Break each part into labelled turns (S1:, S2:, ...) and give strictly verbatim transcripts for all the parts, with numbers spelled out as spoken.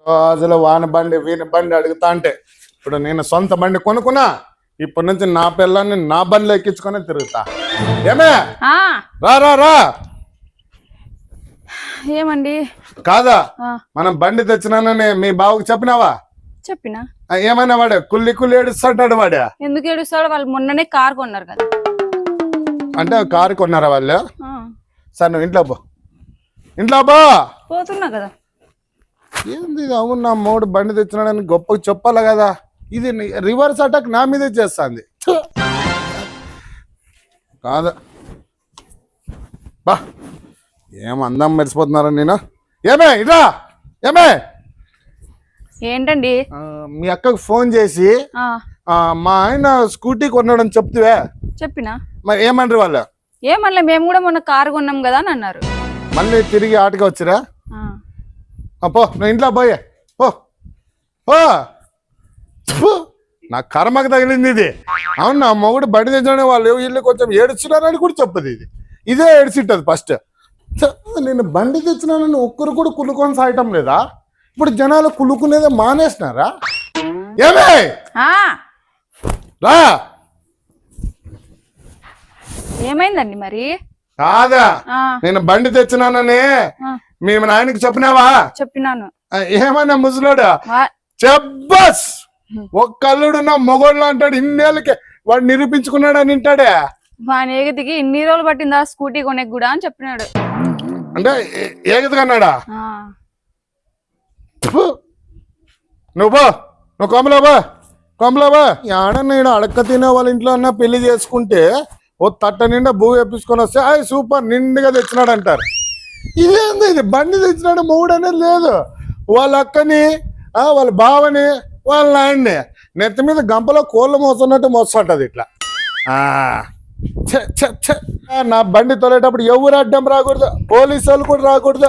S1: అసలు వాన బండి వీని బండి అడుగుతా అంటే ఇప్పుడు నేను సొంత బండి కొనుక్కున్నా ఇప్పటి నుంచి నా పిల్లల్ని నా బండిలో ఎక్కించుకొని తిరుగుతా. ఏమే రా రా రా.
S2: ఏమండి
S1: కాదా మనం బండి తెచ్చినానని మీ బావకు చెప్పినావా?
S2: చెప్పినా.
S1: ఏమైనా వాడు కుల్లి కుల్లి ఏడుస్తాడు. వాడే ఎందుకు
S2: ఏడుస్తాడు? వాళ్ళు మొన్ననే కార్ కొన్నారు కదా.
S1: అంటే కారు కొన్నారా వాళ్ళు? సరే నువ్వు ఇంట్లో పో, ఇంట్లో పో.
S2: పోతున్నా కదా.
S1: ఏంది అవును, నా మూడు బండి తెచ్చినాడని గొప్పగా చెప్పాలి కదా. ఇది రివర్స్ అటాక్ నా మీదే చేస్తుంది కాదు. బా ఏం అందం మర్చిపోతున్నారా నేను. ఏమే ఇదా ఏమే
S2: ఏంటండి?
S1: మీ అక్కకు ఫోన్ చేసి మా ఆయన స్కూటీ కొన్నాడని చెప్తివే.
S2: చెప్పినా.
S1: మరి ఏమంటారు వాళ్ళు?
S2: ఏమన్నా మేము కూడా మొన్న కారు కొన్నాం కదా అని అన్నారు.
S1: మళ్ళీ తిరిగి ఆటగా వచ్చిరా? పో నువ్వు ఇంట్లో పోయే పో పో. నా కర్మకు తగిలింది ఇది. అవును, నా మొగుడు బండి తెచ్చడం వాళ్ళు ఇల్లు కొంచెం ఏడుచున్నారని కూడా చెప్పదు. ఇది ఇదే ఏడ్చిట్టదు ఫస్ట్. నేను బండి తెచ్చినానని ఒక్కరు కూడా కులుకొని సాయటం లేదా? ఇప్పుడు జనాలు కులుకునేదే మానేసినారా? ఏమే రా.
S2: ఏమైందండి మరి?
S1: కాదా నేను బండి తెచ్చినానని మీ నాయనకి చెప్పినావా?
S2: చెప్పినాను.
S1: ఏమన్నా ముసలోడా? చెప్పస్ ఒక్క అల్లుడు నా మొగోళ్ళు అంటాడు. ఇన్నేళ్ళకి వాడు నిరూపించుకున్నాడు అని వింటాడే.
S2: మా ఏగతికి ఇన్ని రోజులు పట్టిందా స్కూటీ కొనే కూడా అని చెప్పినాడు.
S1: అంటే ఏగతి కన్నాడా? నువ్వు నువ్వు కొమలాబా కొమలాబా ఆడ నేను అడక్క తినే వాళ్ళ ఇంట్లో అన్న పెళ్లి చేసుకుంటే ఓ తట్ట నిండా భూ వేపించుకొని వస్తే అయ్యి సూపర్ నిండుగా తెచ్చినాడు అంటారు. ఇదేంది ఇది? బండి తెచ్చినాడు మూడు అనేది లేదు. వాళ్ళ అక్కని వాళ్ళ బావని వాళ్ళ నాయన్ని నెత్తి మీద గంపలో కోళ్ళు మోస్తున్నట్టు మోస్తుంటది ఇట్లా. నా బండి తొలేటప్పుడు ఎవరు అడ్డం రాకూడదు, పోలీసు వాళ్ళు కూడా రాకూడదు.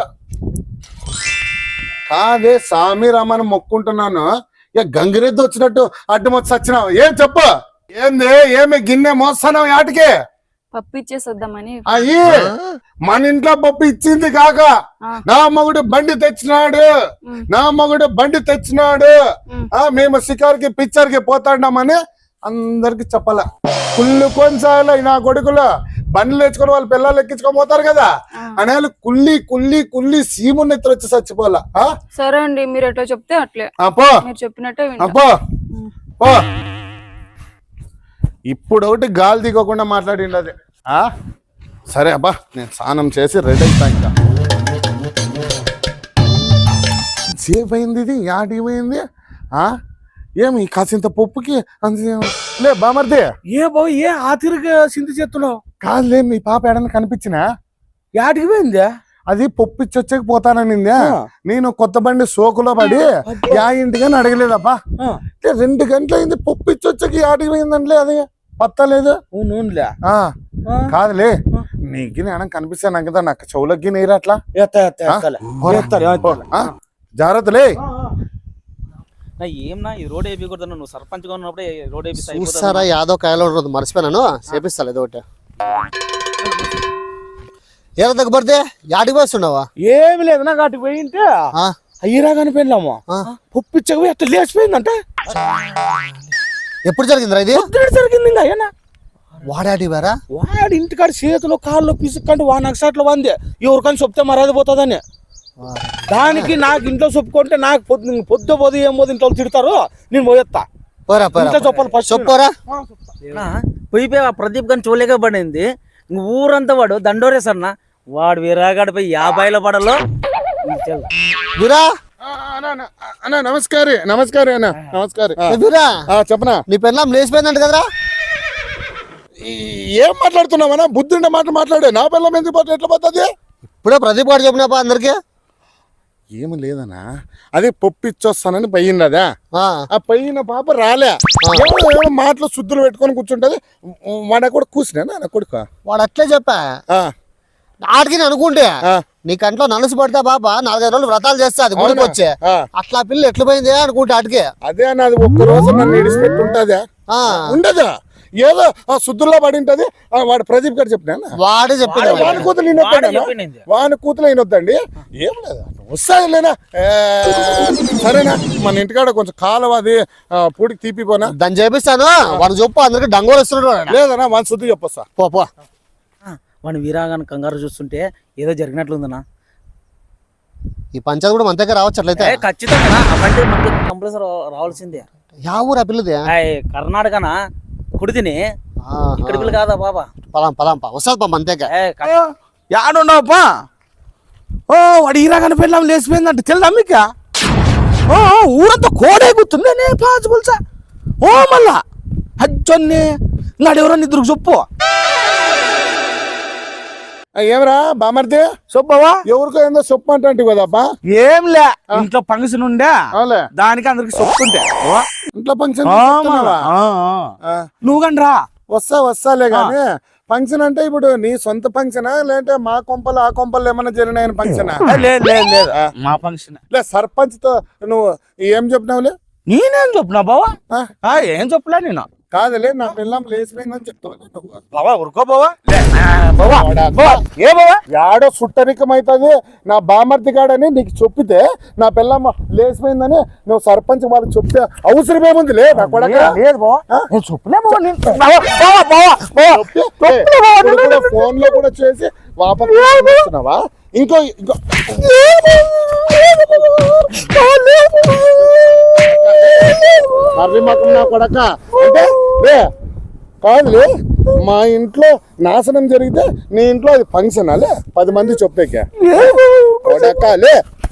S1: కాదే సామి రామని మొక్కుంటున్నాను. ఇక గంగిరెద్దు వచ్చినట్టు అడ్డం వచ్చి వచ్చినావు. ఏం చెప్పు, ఏంది ఏమి గిన్నె మోస్తున్నావు ఆటికి?
S2: పప్పు ఇచ్చేసొద్దామని.
S1: అయ్యి మన ఇంట్లో పప్పు ఇచ్చింది కాక నా మగుడు బండి తెచ్చినాడు, నా మగుడు బండి తెచ్చినాడు, మేము షికార్కి పిక్చర్కి పోతాడామని అందరికి చెప్పాల. కుళ్ళు కొన్నిసార్లు నా కొడుకులు బండ్లు తెచ్చుకొని వాళ్ళు పిల్లలు ఎక్కించుకొని పోతారు కదా అనే వాళ్ళు కుల్లి కుల్లి కుల్లి సీముని ఎత్తులు వచ్చి చచ్చిపోవాలా.
S2: సరే అండి, మీరు ఎట్లా చెప్తే అట్లే.
S1: పో
S2: మీరు చెప్పినట్టే
S1: పో పో. ఇప్పుడు ఒకటి గాలి దిగకుండా మాట్లాడింది అది. సరే అబ్బా నేను స్నానం చేసి రెడీ అవుతా. ఇంకా సేఫ్ అయింది ఇది. యాడికి పోయింది? ఏమి కాసింత పప్పుకి లే బామర్దే.
S3: ఏ బాబు ఏ ఆతిరిగా సింధు చేస్తున్నావు?
S1: కాదులే మీ పాప ఏడన్నా కనిపించినా?
S3: యాడికి పోయిందా?
S1: అది పప్పు ఇచ్చి వచ్చాక పోతాననిందా. నేను కొత్త బండి సోకులో పడి యా ఇంటికని అడగలేదబ్బా. రెండు గంటలు అయింది పప్పు ఇచ్చి వచ్చాక యాడికి పోయిందంటే అది పత్తలేదు. కాదులే నీకు నేను కనిపిస్తాను కదా, నాకు చెవులకి నీరు అట్లా జాగ్రత్తలే.
S4: ఏమన్నా ఈ రోడ్ వేయకూడదు, నువ్వు సర్పంచ్ గా ఉన్నప్పుడే రోడ్
S5: వేపిస్తారా? యాదవ్ కాయలో మర్చిపోయినాను, చేపిస్తాను ఏదో ఒకటి. ఏదో దగ్గర పడితే యాడికి పోస్తున్నావా?
S3: ఏమి లేదు, నాకు అటుకు పోయింటే అయ్యరా కనిపోయినాము. పప్పు ఇచ్చకపోయి అట్లా లేచిపోయిందంట.
S5: ఎప్పుడు జరిగిందిరా ఇది?
S3: జరిగింది. అయ్యనా
S5: వాడాడి వారా?
S3: వాడు ఇంటికాడ చేతిలో కాళ్ళు పిసుక్కంటే వా నక్సట్లో వంది ఎవరికని చెప్తే మర్యాద పోతుందని. దానికి నాకు ఇంట్లో చెప్పుకుంటే నాకు పొద్దు పొద్దు పోదు ఏం పోదు ఇంట్లో తిడతారు. నేను పోయేస్తా చెప్పాలి ఫస్ట్
S5: చెప్పరా.
S4: పోయిపోయి ఆ ప్రదీప్ గారిని చూడలేక పడింది. ఊరంతా వాడు దండోరేసన్న వాడు విరాగాడిపోయి యాభైలో పడలో.
S1: నమస్కారం నమస్కారం అన్న నమస్కారం. చెప్పనా
S5: నీ పెళ్ళాం లేచిపోయిందంట కదరా?
S1: ఏం మాట్లాడుతున్నావన్నా? బుద్ధుండే మాట మాట్లాడే. నా పిల్లం ఎందుకు పోతే ఎట్లా పోతుంది?
S5: ఇప్పుడే ప్రదీప్ గారు చెప్పినాపా అందరికి.
S1: ఏమి లేదనా, అదే పప్పు ఇచ్చొస్తానని పోయింది. అదా ఆ పోయిన పాప రాలే. ఏమో మాటలు శుద్ధులు పెట్టుకొని కూర్చుంటది. వాడ కూడా కూర్చున్నా నా కొడుకు.
S5: వాడు అట్లే చెప్పా ఆడికి అనుకుంటే నీ కంట్లో నలుసు పడితే పాప నాలుగైదు రోజులు వ్రతాలు చేస్తా అది గుడికి వచ్చే. అట్లా పిల్ల ఎట్లా పోయింది అనుకుంటే ఆడికి.
S1: అదే నాది ఒక్క రోజు నన్ను ఇడిచిపెట్టి ఉంటదా? ఉండదా? ఏదో ఆ శుద్ధుల్లో పడి ఉంటది. వాడు ప్రదీప్ గారు చెప్పినా,
S5: వాడే చెప్పాడు.
S1: వాని కూతురు ఈయనొద్దండి, వాని కూతురు ఈయనొద్దండి. ఏం లేదు. వస్తాయిలేనా ఏ, సరేనా మన ఇంటికాడ కొంచెం కాలువ అది ఆ, పూడికి తీపిపోనా
S5: దాన్ని చేపిస్తాను వాడు చెప్పు అందరికి డంగోలు వస్తున్నాడు వాడు.
S1: లేదన్నా మన శుద్ధి చెప్పొస్తా
S5: పో పో
S4: వాడిని వీరాగాన్ని కంగారు చూస్తుంటే ఏదో జరిగినట్లుందనా.
S5: ఈ పంచాయతీ కూడా మన దగ్గర రావచ్చు అట్లయితే.
S4: ఏ, ఖచ్చితంగా ఆ బండి మనకి కంపల్సరీ రావాల్సిందే.
S5: యా ఊరు ఆ పిల్లది?
S4: ఏయ్, కర్ణాటకనా కుడితిని ఇక్కడ పిల్ల కాదా బాబా.
S5: పదాం పదాం పా వస్తుంది పా మన దగ్గర.
S4: ఏ, క-
S3: యాడున్నావప్పా? ఓ వాడు ఈరాగానే పెళ్ళాం లేచిపోయిందంటే తెలుదా మీకు? ఓ ఊరంతా కోడే గుర్తుంది నే పాచిపుల్సా. ఓ మళ్ళా అజ్జొన్ని నాడెవరో నిద్రకు చెప్పు.
S1: ఆ, ఏమరా బామర్ది
S3: చెప్పవా?
S1: ఎవరికో ఏందో చెప్పు అంటే కదబ్బా
S3: ఏం లే, ఇంట్లో ఫంక్షన్ ఉండే
S1: అవులే
S3: దానికి అందరికి చెప్పుకుంటే
S1: ఇంట్లో ఫంక్షన్
S3: నువ్వు కానీ రా.
S1: వస్తా వస్తాలే గాని ఫంక్షన్ అంటే ఇప్పుడు నీ సొంత ఫంక్షనా లేదంటే మా కొంపలు ఆ కొంపలు ఏమన్నా జరిగినాయని ఫంక్షనా?
S3: లేదు లేదు లేదు మా ఫంక్షన్.
S1: లే సర్పంచ్ తో నువ్వు ఏం చెప్పినావులే?
S3: నేనేం చెప్పినా బావా?
S1: ఆ?
S3: ఆ, ఏం చెప్పలే నేను.
S1: కాదులే నా పిల్లం లేచిపోయిందని చెప్తావు
S3: బావా ఉరుకో బావా. లే, ఆ, బావా బావా, ఏ బావా?
S1: యాడో సుట్టరికం అవుతుంది నా బామర్ది గాడని నీకు చెప్పితే నా పిల్లమ్మ లేచిపోయిందని నువ్వు సర్పంచ్ వాళ్ళకి చెప్తే అవసరం ఏముంది లే నా కొడక
S3: లేదు బావా, నేను చెప్పలే బావా. నేను బావా బావా బావా బావా చెప్పలే బావా.
S1: ఇప్పుడు కూడా ఫోన్ లో కూడా చేసి వాపస్తున్నావా? ఇంకో ఇంకో మర్రి మకం నా కొడక అంటే లే కాదులే మా ఇంట్లో నాశనం జరిగితే నీ ఇంట్లో అది ఫంక్షన్ అలే పది మంది చెప్పేకే కొడక లే.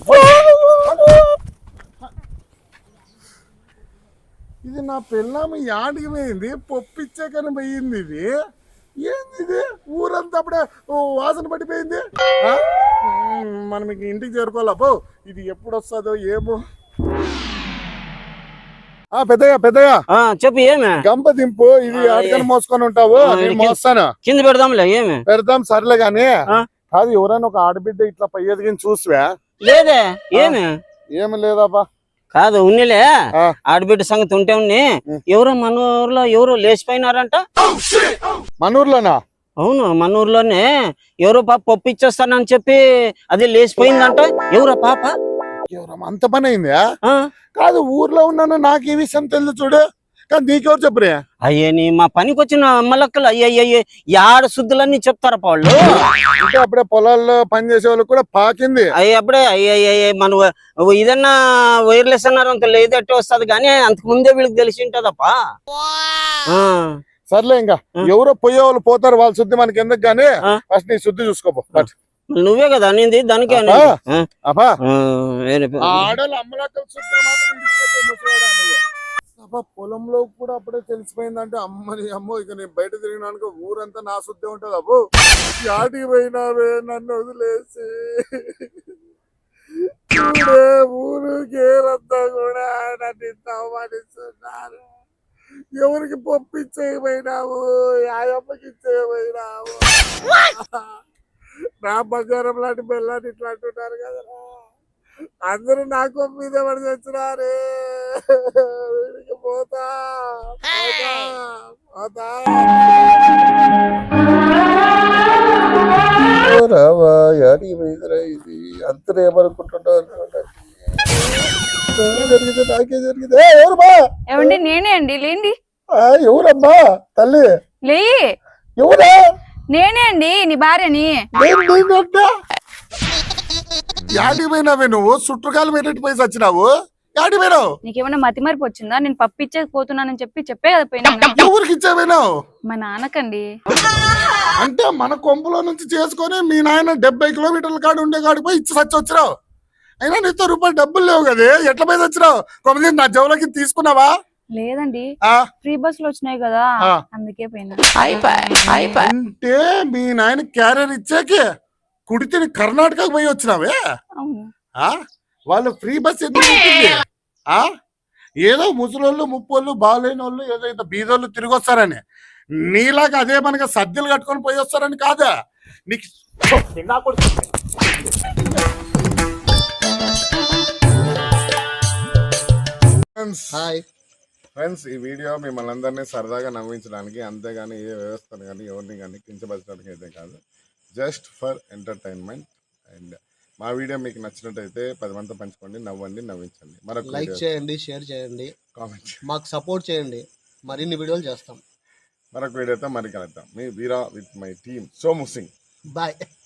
S1: ఇది నా పిల్లమ్మ యాడికి పోయింది పొప్పిచ్చాకని పోయింది ఇది ఏంది ఇది ఊరంతా అప్పుడే ఓ వాసన పడిపోయింది. ఆ? మ్మ్, మనం ఇంక ఇంటికి చేరుకోవాలా పో ఇది ఎప్పుడు వస్తుందో ఏమో. ఆ పెద్దగా పెద్దగా
S4: ఆ, చెప్పు ఏమే
S1: గంప దింపు ఇది ఆటకని మోసుకొని ఉంటావు నేను మోస్తాను
S4: కింద పెడదాంలే. ఏమే
S1: పెడదాం సర్లే గాని
S4: ఆ?
S1: కాదు ఎవరైనా ఒక ఆడబిడ్డ ఇట్లా పై ఎదిగిన చూసివా?
S4: లేదే. ఏమే
S1: ఏమి లేదాపా.
S4: కాదు ఉన్నిలే
S1: ఆ.
S4: ఆడబిడ్డ సంగతి ఉంటే ఉన్ని ఎవరో మన ఊర్లో ఎవరో లేచిపోయినారంట.
S1: మన ఊర్లోనా?
S4: అవును మన ఊర్లోనే ఎవరో పాప పప్పు ఇచ్చేస్తానని చెప్పి అది లేచిపోయిందంట. ఎవరో పాప?
S1: ఎవరమ్మా అంత పని అయిందా?
S4: ఆ?
S1: కాదు ఊర్లో ఉన్నాను నాకు ఈ విషయం తెలుసు చూడు కానీ నీకెవరు చెప్పరే?
S4: అయ్యని మా పనికి వచ్చిన అమ్మలక్కలు అయ్యయ్య యాడ శుద్ధులన్నీ చెప్తారా వాళ్ళు.
S1: అంటే అప్పుడే పొలాల్లో పని చేసే వాళ్ళకి కూడా పాకింది.
S4: అయ్యి అప్పుడే అయ్యయ్య మన ఇదన్నా వైర్లెస్ అన్నారు అంత లేదట్టే వస్తుంది కానీ అంతకు ముందే వీళ్ళకి తెలిసి ఉంటదప్పా.
S1: సర్లే ఇంకా ఎవరో పోయే వాళ్ళు పోతారు వాళ్ళ శుద్ధి మనకి ఎందుకు గానీ
S4: ఆ.
S1: ఫస్ట్ నీ శుద్ధి చూసుకోపో.
S4: నువ్వే కదా అనింది దానికే
S1: అబ్బా.
S4: ఆ?
S1: అబ్బా
S4: ఆ, వేరే పే-
S1: ఆడోళ్ళు అమ్మలక్కల శుద్ధి మాత్రం విడిచిపెట్టే ముసలోడా నువ్వు. అబ్బా పొలంలో కూడా అప్పుడే తెలిసిపోయిందంటే అమ్మని అమ్మో ఇక నేను బయట తిరిగినానుకో ఊరంతా నా శుద్ధి ఉంటది. అబ్బో యాటికి పోయినావే నన్ను వదిలేసి ఊరే ఊరుకేరంతా కూడా నన్ను ఇంత అవమానిస్తున్నారు. ఎవరికి పంపించేయపోయినావు యాయమ్మకి ఇచ్చేయపోయినావు నా బంగారం లాంటి బెల్లాన్ని ఇట్లా అంటున్నారు కదరా. అందరూ నాకు మీద పడి తెచ్చినారే వీడికి పోతా పోతా పోతా. రావా యాడికి పోయిందిరా ఇది అంతా ఏమనుకుంటుంటావు జరిగింది నాకే జరిగింది. ఏ, ఎవరు బా
S2: ఏమండి నేనే అండి లేండి.
S1: ఆ, ఎవరమ్మా తల్లి
S2: లే
S1: ఎవరా?
S2: నేనే అండి నీ భార్యని.
S1: యాడికి పోయినావే నువ్వు? చుట్టుకాలు పెట్టేట్టు పోయి వచ్చినావు. యాడికి పోయినావు?
S2: నీకేమైనా మతి మరిపి వచ్చిందా? నేను పప్పు ఇచ్చేసి పోతున్నానని చెప్పి చెప్పే కదా పోయినా.
S1: ఎవరికి ఇచ్చావేనావు?
S2: మా నాన్నకండి.
S1: అంటే మన కొంపులో నుంచి చేసుకొని మీ నాయన డెబ్బై కిలోమీటర్ల కాడ ఉండే కాడికి పోయి ఇచ్చి సచ్చి వచ్చినావు. అయినా నీతో రూపాయలు డబ్బులు లేవు కదే ఎట్లా పోయి వచ్చినావు? కొద్ది నా జవులకి తీసుకున్నావా?
S2: లేదండి
S1: ఆ
S2: ఫ్రీ బస్సులు వచ్చినాయి కదా
S1: ఆ.
S2: అందుకే పోయినా.
S1: అంటే మీ నాయన క్యారియర్ ఇచ్చాకే కుడితిని కర్ణాటకకు పోయి వచ్చినావే?
S2: అవును.
S1: ఆ వాళ్ళు ఫ్రీ బస్ ఎందుకు పెట్టింది? ఆ ఏదో ముసలోళ్ళు ముప్పోళ్ళు బాగాలేని వాళ్ళు ఏదో ఇంత బీదోళ్ళు తిరిగి వస్తారని నీలాగా అదే మనకి సద్దులు కట్టుకొని పోయి వస్తారని కాదా నీకు.
S5: హాయ్
S1: ఫ్రెండ్స్ ఈ వీడియో మిమ్మల్ని అందరినీ సరదాగా నవ్వించడానికి అంతేగాని ఏ వ్యవస్థను కానీ ఎవరిని కానీ కించపరచడానికి అయితే కాదు, జస్ట్ ఫర్ ఎంటర్టైన్మెంట్. అండ్ మా వీడియో మీకు నచ్చినట్టయితే పది మందితో పంచుకోండి, నవ్వండి, నవ్వించండి. మరొక
S5: లైక్ చేయండి, షేర్ చేయండి,
S1: కామెంట్
S5: మాకు సపోర్ట్ చేయండి, మరిన్ని వీడియోలు చేస్తాం.
S1: మరొక వీడియోతో మరి కలుద్దాం. మీ Veera with my team Somu Singh.
S5: Bye.